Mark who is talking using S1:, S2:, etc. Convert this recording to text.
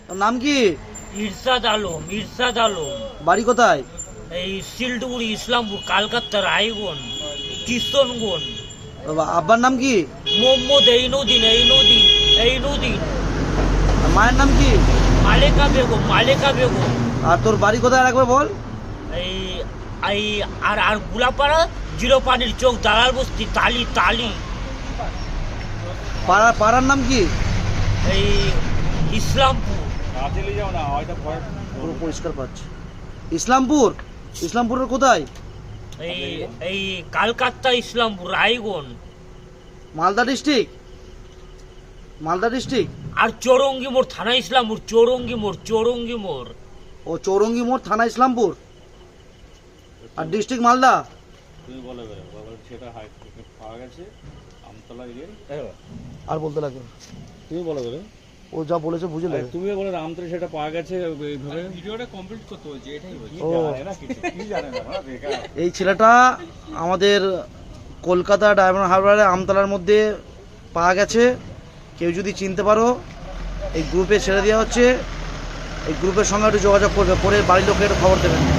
S1: তোর নাম কি?
S2: ইরশাদ আলম। ইরশাদ আলম।
S1: বাড়ি কোথায়?
S2: এই শিলডুগুড়ি, ইসলামপুর, কালকাতা, রায়গঞ্জ, কিশনগঞ্জ।
S1: আব্বার নাম কি?
S2: মোহাম্মদ এইনুদ্দিন। এইনুদ্দিন। এইনুদ্দিন।
S1: আর মায়ের নাম কি?
S2: মালেকা বেগম। মালেকা বেগম।
S1: আর তোর বাড়ি কোথায় রাখবে বল?
S2: এই এই আর আর গুলাপাড়া, জিরো পানির চোখ, দালাল বস্তি, তালি। তালি।
S1: পাড়ার নাম কি?
S2: এই ইসলামপুর।
S1: পুরো পরিষ্কার পাচ্ছি। ইসলামপুর? ইসলামপুরের কোথায়?
S2: এই এই কালকাতা, ইসলামপুর, রায়গঞ্জ।
S1: মালদা ডিস্ট্রিক্ট? মালদা ডিস্ট্রিক্ট?
S2: আর চৌরঙ্গি মোড়, থানা ইসলামপুর। চৌরঙ্গি মোড়। চৌরঙ্গি মোড়।
S1: ও চৌরঙ্গি মোড়, থানা ইসলামপুর, আর ডিস্ট্রিক্ট মালদা।
S3: তুমি বলে বাবা সেটা পাওয়া গেছে আমতলা এরিয়ায়।
S1: আর বলতে লাগবে?
S3: তুমি বলে দেবে,
S1: ও যা বলেছে বুঝে নেবে।
S3: তুমিও বলে আমতলা সেটা পাওয়া গেছে এইভাবে।
S4: ভিডিওটা কমপ্লিট করতে বলছি, এটাই বলছি।
S1: ও
S3: কি জানে না বেকার।
S1: এই ছেলেটা আমাদের কলকাতা ডায়মন্ড হারবারে আমতলার মধ্যে পাওয়া গেছে। কেউ যদি চিনতে পারো এই গ্রুপে ছেড়ে দেওয়া হচ্ছে, এই গ্রুপের সঙ্গে একটু যোগাযোগ করবে, পরে বাড়ির লোকের খবর দেবেন।